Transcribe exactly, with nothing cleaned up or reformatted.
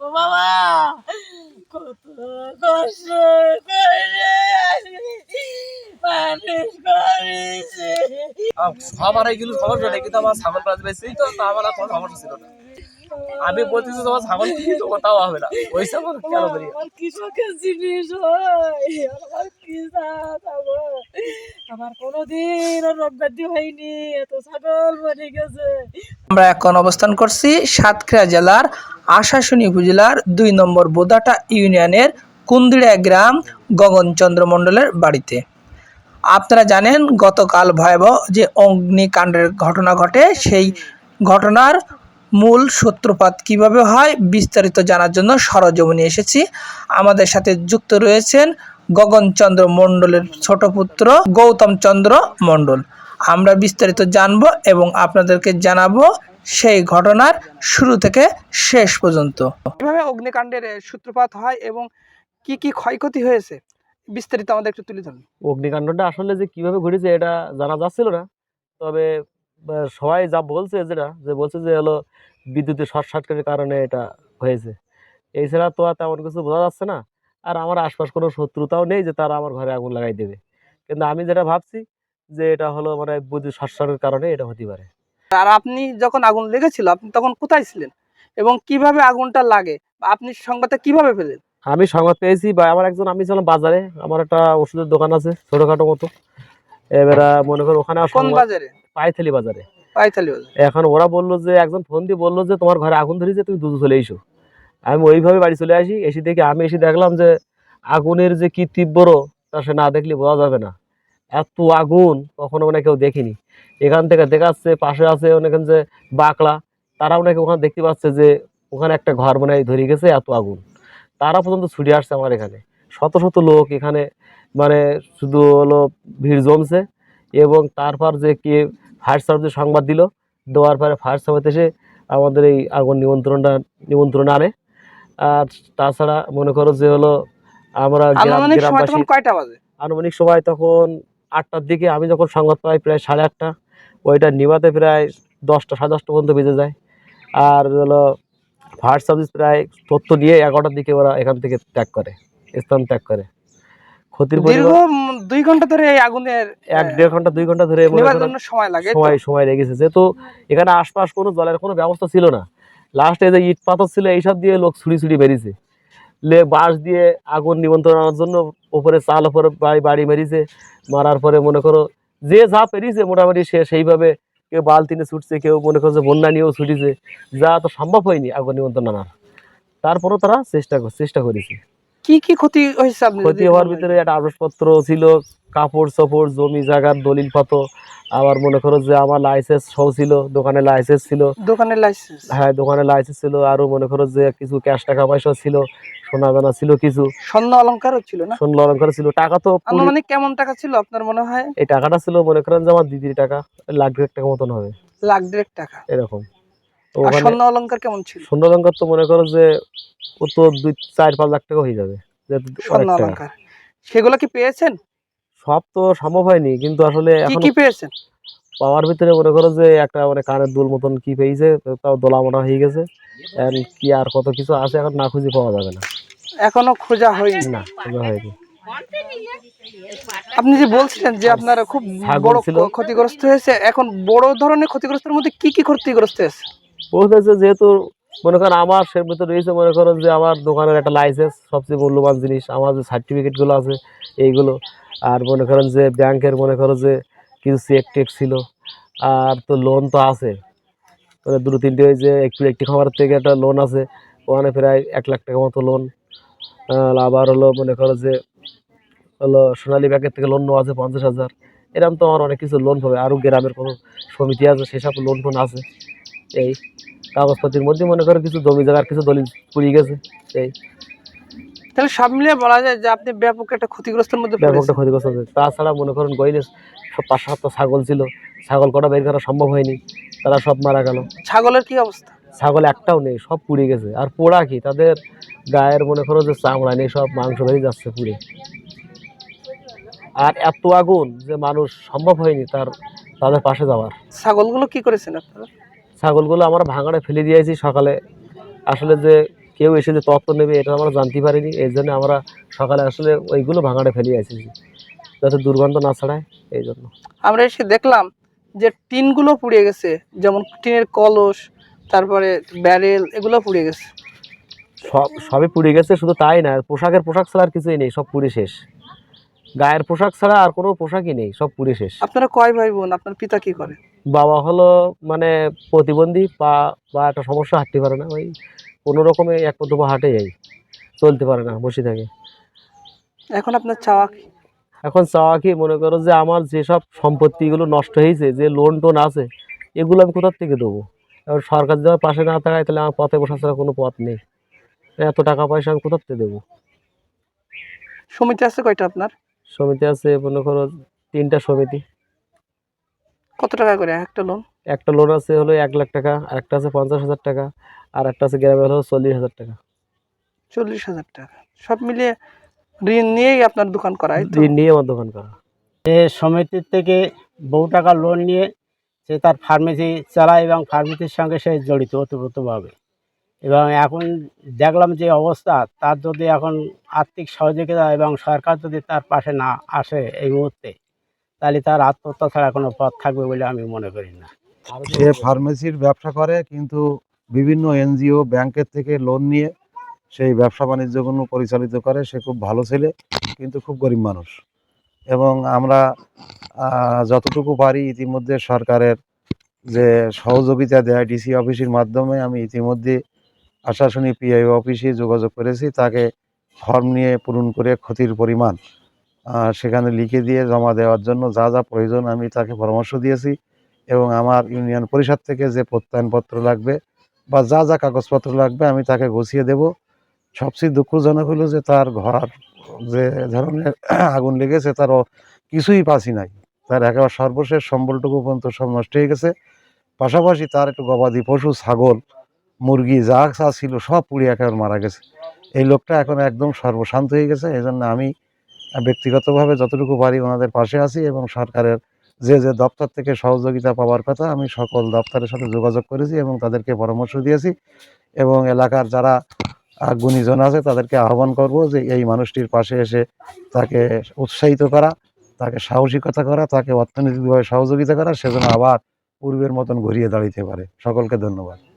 বাবা কত কষ্ট করে মানুষ করেছে। আমার এইগুলো সমস্যা নেই, কিন্তু আমার ছাগল প্রাণ বেশি তো তা আমার আর কোনো সমস্যা ছিল না। আমি বলতেছি তোমার ছাগল কি তো কোথাও হবে না, ওই ছাগল কেন করি আমার কৃষকের জিনিস হয়, আমার কি ছাগল, আমার কোনোদিন রোগ ব্যাধি হয়নি, এত ছাগল মরে গেছে। আমরা এখন অবস্থান করছি সাতক্ষীরা জেলার আশাশুনি উপজেলার দুই নম্বর বোদাটা ইউনিয়নের কুন্দিড়া গ্রাম গগনচন্দ্র মণ্ডলের বাড়িতে। আপনারা জানেন গতকাল ভয়াবহ যে অগ্নিকাণ্ডের ঘটনা ঘটে, সেই ঘটনার মূল সূত্রপাত কিভাবে হয় বিস্তারিত জানার জন্য সরজমিনে এসেছি। আমাদের সাথে যুক্ত রয়েছেন গগনচন্দ্র মণ্ডলের ছোট পুত্র গৌতম চন্দ্র মণ্ডল। আমরা বিস্তারিত জানব এবং আপনাদেরকে জানাবো সেই ঘটনার শুরু থেকে শেষ পর্যন্ত। কিভাবে অগ্নিকাণ্ডের সূত্রপাত হয় এবং কি কি ক্ষয়ক্ষতি হয়েছে বিস্তারিত আমাদের একটু তুলে ধরুন। অগ্নিকাণ্ডটা আসলে যে কিভাবে ঘটেছে এটা জানা যাচ্ছিল না, তবে আহ, সবাই যা বলছে যেটা যে বলছে যে হলো বিদ্যুতের শর্ট সার্কিটের কারণে এটা হয়েছে। এছাড়া তো আর তেমন কিছু বোঝা যাচ্ছে না। আর আমার আশপাশ কোনো শত্রুতাও নেই যে তারা আমার ঘরে আগুন লাগাই দেবে, কিন্তু আমি যেটা ভাবছি যে এটা হলো মানে বিদ্যুৎ শর্ট সার্কিটের কারণে এটা হতে পারে। আর আপনি যখন আগুন লেগেছিল আপনি তখন কোথায় ছিলেন এবং কিভাবে আগুনটা লাগে বা আপনি সংবাদটা কিভাবে পেলেন? আমি সংবাদ পেয়েছি বা আমার একজন, আমি ছিলাম বাজারে, আমার একটা ওষুধের দোকান আছে ছোটখাটো মতো, এবার মনে করো ওখানে কোন বাজারে? পাইথালি বাজারে। পাইথালি বাজারে। এখন ওরা বললো যে একজন ফোন দিয়ে বললো যে তোমার ঘরে আগুন ধরেছে, তুমি দ্রুত চলে এসো। আমি ওইভাবে বাড়ি চলে আসি। এসে দেখি আমি এসে দেখলাম যে আগুনের যে কি তীব্র তা সে না দেখলে বোঝা যাবে না। এত আগুন কখনো মানে কেউ দেখিনি। এখান থেকে দেখাচ্ছে পাশে আছে অনেকক্ষণ যে বাকলা, তারাও নাকি ওখানে দেখতে পাচ্ছে যে ওখানে একটা ঘর মানে ধরে গেছে, এত আগুন। তারা পর্যন্ত ছুটে আসছে আমার এখানে, শত শত লোক এখানে মানে শুধু হলো ভিড় জমছে। এবং তারপর যে কি ফায়ার সার্ভিস সংবাদ দিল, দেওয়ার পরে ফায়ার সার্ভিস এসে আমাদের এই আগুন নিয়ন্ত্রণটা নিয়ন্ত্রণ আনে। আর তাছাড়া মনে করো যে হলো আমরা আনুমানিক সময় তখন কয়টা বাজে? আনুমানিক সময় তখন আটটার দিকে। আমি যখন সংবাদ পাই প্রায় সাড়ে আটটা, ওইটা নিভাতে প্রায় দশটা সাড়ে দশটা পর্যন্ত বেজে যায়। আর হলো ফায়ার সার্ভিস প্রায় তথ্য নিয়ে এগারোটার দিকে ওরা এখান থেকে ত্যাগ করে, স্থান ত্যাগ করে। ক্ষতির দীর্ঘ দুই ঘন্টা ধরে এই আগুনের এক দেড় ঘন্টা দুই ঘন্টা ধরে সময় লাগে, সময় সময় লেগেছে, যেহেতু এখানে আশপাশ কোনো জলের কোনো ব্যবস্থা ছিল না। লাস্টে যে ইট পাথর ছিল এইসব দিয়ে লোক ছুড়ি ছুড়ি বেরিয়েছে, লে বাঁশ দিয়ে আগুন নিমন্ত্রণ আনার জন্য ওপরে চাল ওপরে বাড়ি বাড়ি মেরিছে। মারার পরে মনে করো যে যা পেরিয়েছে মোটামুটি সে সেইভাবে, কেউ বালতিনে ছুটছে, কেউ মনে করছে বন্যা নিয়েও ছুটিছে, যা তো সম্ভব হয়নি আগুন নিমন্ত্রণ আনার। তারপরও তারা চেষ্টা চেষ্টা করেছে। কি কি ক্ষতি হয়েছে? ক্ষতি হওয়ার ভিতরে একটা আসবাবপত্র ছিল, কাপড় চোপড়, জমি জায়গার দলিল পত্র, আবার মনে করো যে আমার লাইসেন্স সহ ছিল, দোকানের লাইসেন্স ছিল। দোকানের লাইসেন্স? হ্যাঁ, দোকানের লাইসেন্স ছিল। আরো মনে করো যে কিছু ক্যাশ টাকা পয়সা ছিল, সোনা দানা ছিল, কিছু স্বর্ণ অলংকারও ছিল না? স্বর্ণ অলংকার ছিল। টাকা তো আনুমানিক কেমন টাকা ছিল আপনার মনে হয়? এই টাকাটা ছিল মনে করেন যে আমার দিদির টাকা, লাখ দেড়েক টাকা মতন হবে। লাখ দেড়েক টাকা এরকম। স্বর্ণ অলংকার কেমন ছিল? স্বর্ণ অলংকার তো মনে করো যে ও তো দুই চার পাঁচ লাখ টাকা হয়ে যাবে স্বর্ণ অলংকার। সেগুলো কি পেয়েছেন? সব তো সম্ভব হয়নি, কিন্তু আসলে কি কি পেয়েছেন? পাওয়ার ভিতরে মনে করো যে একটা মানে কানের দুল মতন কি পেয়েছে, তাও দোলা মোটা হয়ে গেছে। কি আর কত কিছু আছে এখন না খুঁজে পাওয়া যাবে না, এখনো খোঁজা হয়নি। না খোঁজা হয়নি। আপনি যে বলছিলেন যে আপনার খুব বড় ক্ষতিগ্রস্ত হয়েছে, এখন বড় ধরনের ক্ষতিগ্রস্তের মধ্যে কি কি ক্ষতিগ্রস্ত হয়েছে? বলতেছে যেহেতু মনে করেন আমার সে ভিতরে রয়েছে মনে করো যে আমার দোকানের একটা লাইসেন্স, সবচেয়ে মূল্যবান জিনিস, আমার যে সার্টিফিকেটগুলো আছে এইগুলো, আর মনে করেন যে ব্যাংকের মনে করো যে কিছু চেক টেক ছিল, আর তো লোন তো আছে মানে দুটো তিনটে, ওই যে একটু একটি খাবার থেকে একটা লোন আছে, ওখানে প্রায় এক লাখ টাকা মতো লোন। আবার হলো মনে করো যে হলো সোনালী ব্যাংকের থেকে লোন নেওয়া আছে পঞ্চাশ হাজার। এরকম তো আমার অনেক কিছু লোন পাবে। আরও গ্রামের কোনো সমিতি আছে সেসব লোন টোন আছে। এই কাগজপত্রের মধ্যে মনে করো কিছু জমি জায়গার কিছু দলিল পুড়িয়ে গেছে। এই তাহলে সব মিলিয়ে বলা যায় যে আপনি ব্যাপক একটা ক্ষতিগ্রস্তের মধ্যে ব্যাপক একটা ক্ষতিগ্রস্ত হয়েছে। তাছাড়া মনে করেন গইলে সব পাঁচ সাতটা ছাগল ছিল, ছাগল কটা বের করা সম্ভব হয়নি, তারা সব মারা গেল। ছাগলের কি অবস্থা? ছাগল একটাও নেই, সব পুড়ে গেছে। আর পোড়া কি, তাদের গায়ের মনে করো যে চামড়া নেই, সব মাংস বেরিয়ে যাচ্ছে পুড়ে। আর এত আগুন যে মানুষ সম্ভব হয়নি তার তাদের পাশে যাওয়ার। ছাগলগুলো কি করেছেন আপনারা? ছাগলগুলো আমরা ভাঙাড়ে ফেলে দিয়েছি সকালে। আসলে যে কেউ এসে যে তত্ত্ব নেবে এটা আমরা জানতে পারিনি। এই জন্য আমরা সকালে আসলে ওইগুলো ভাঙাড়ে ফেলে এসেছি যাতে দুর্গন্ধ না ছড়ায়, এই জন্য। আমরা এসে দেখলাম যে টিনগুলো পুড়ে গেছে, যেমন টিনের কলস, তারপরে ব্যারেল, এগুলো পুড়ে গেছে। সব সবই পুড়ে গেছে, শুধু তাই না, পোশাকের পোশাক ছাড়া আর কিছুই নেই, সব পুড়ে শেষ। গায়ের পোশাক ছাড়া আর কোনো পোশাকই নেই, সব পুড়ে শেষ। আপনারা কয় ভাই বোন? আপনার পিতা কি করে? বাবা হলো মানে প্রতিবন্ধী, পা বা একটা সমস্যা, হাঁটতে পারে না, ওই কোনো রকমে এক পা দুপা হাঁটে যাই, চলতে পারে না, বসে থাকে। এখন আপনার চাওয়া কি? এখন চাওয়া কি, মনে করো যে আমার যেসব সম্পত্তিগুলো নষ্ট হয়েছে, যে লোন টোন আছে, এগুলো আমি কোথার থেকে দেবো? এবার সরকার যদি আমার পাশে না থাকায় তাহলে আমার পথে বসা ছাড়া কোনো পথ নেই। এত টাকা পয়সা আমি কোথার থেকে দেবো? সমিতি আছে কয়টা আপনার? সমিতি আছে মনে করো তিনটা সমিতি। কত টাকা করে একটা লোন? একটা লোন আছে হলো এক লাখ টাকা, আর একটা আছে পঞ্চাশ হাজার টাকা, আর একটা আছে গ্রামে হলো চল্লিশ হাজার টাকা। চল্লিশ হাজার টাকা সব মিলিয়ে ঋণ নিয়েই আপনার দোকান করা? ঋণ নিয়ে আমার দোকান করা। এ সমিতির থেকে বহু টাকা লোন নিয়ে সে তার ফার্মেসি চালায় এবং ফার্মেসির সঙ্গে সে জড়িত ওতপ্রোতভাবে। এবং এখন দেখলাম যে অবস্থা, তার যদি এখন আর্থিক সহযোগিতা এবং সরকার যদি তার পাশে না আসে এই মুহূর্তে, তাহলে তার আত্মহত্যা ছাড়া কোনো পথ থাকবে বলে আমি মনে করি না। সে ফার্মেসির ব্যবসা করে, কিন্তু বিভিন্ন এনজিও ব্যাংকের থেকে লোন নিয়ে সেই ব্যবসা বাণিজ্যগুলো পরিচালিত করে। সে খুব ভালো ছেলে, কিন্তু খুব গরিব মানুষ। এবং আমরা আহ, যতটুকু পারি ইতিমধ্যে সরকারের যে সহযোগিতা দেয় ডিসি অফিসের মাধ্যমে, আমি ইতিমধ্যে আশাশুনি পিআই অফিসে যোগাযোগ করেছি, তাকে ফর্ম নিয়ে পূরণ করে ক্ষতির পরিমাণ আহ, সেখানে লিখে দিয়ে জমা দেওয়ার জন্য যা যা প্রয়োজন আমি তাকে পরামর্শ দিয়েছি। এবং আমার ইউনিয়ন পরিষদ থেকে যে প্রত্যয়নপত্র লাগবে বা যা যা কাগজপত্র লাগবে আমি তাকে গুছিয়ে দেব। সবচেয়ে দুঃখজনক হলো যে তার ঘর যে ধরনের আগুন লেগেছে, তার ও কিছুই পাচ্ছি নাই, তার একেবারে সর্বশেষ সম্বলটুকু পর্যন্ত সব নষ্ট হয়ে গেছে। পাশাপাশি তার একটু গবাদি পশু, ছাগল, মুরগি যা যা ছিল সব পুড়ে একেবারে মারা গেছে। এই লোকটা এখন একদম সর্বশান্ত হয়ে গেছে। এই জন্য আমি ব্যক্তিগতভাবে যতটুকু পারি ওনাদের পাশে আছি, এবং সরকারের যে যে দপ্তর থেকে সহযোগিতা পাওয়ার কথা আমি সকল দপ্তরের সাথে যোগাযোগ করেছি এবং তাদেরকে পরামর্শ দিয়েছি। এবং এলাকার যারা আহ, গুণীজন আছে তাদেরকে আহ্বান করব যে এই মানুষটির পাশে এসে তাকে উৎসাহিত করা, তাকে সাহসিকতা করা, তাকে অর্থনৈতিকভাবে সহযোগিতা করা, সেজন্য আবার পূর্বের মতন ঘুরিয়ে দাঁড়াতে পারে। সকলকে ধন্যবাদ।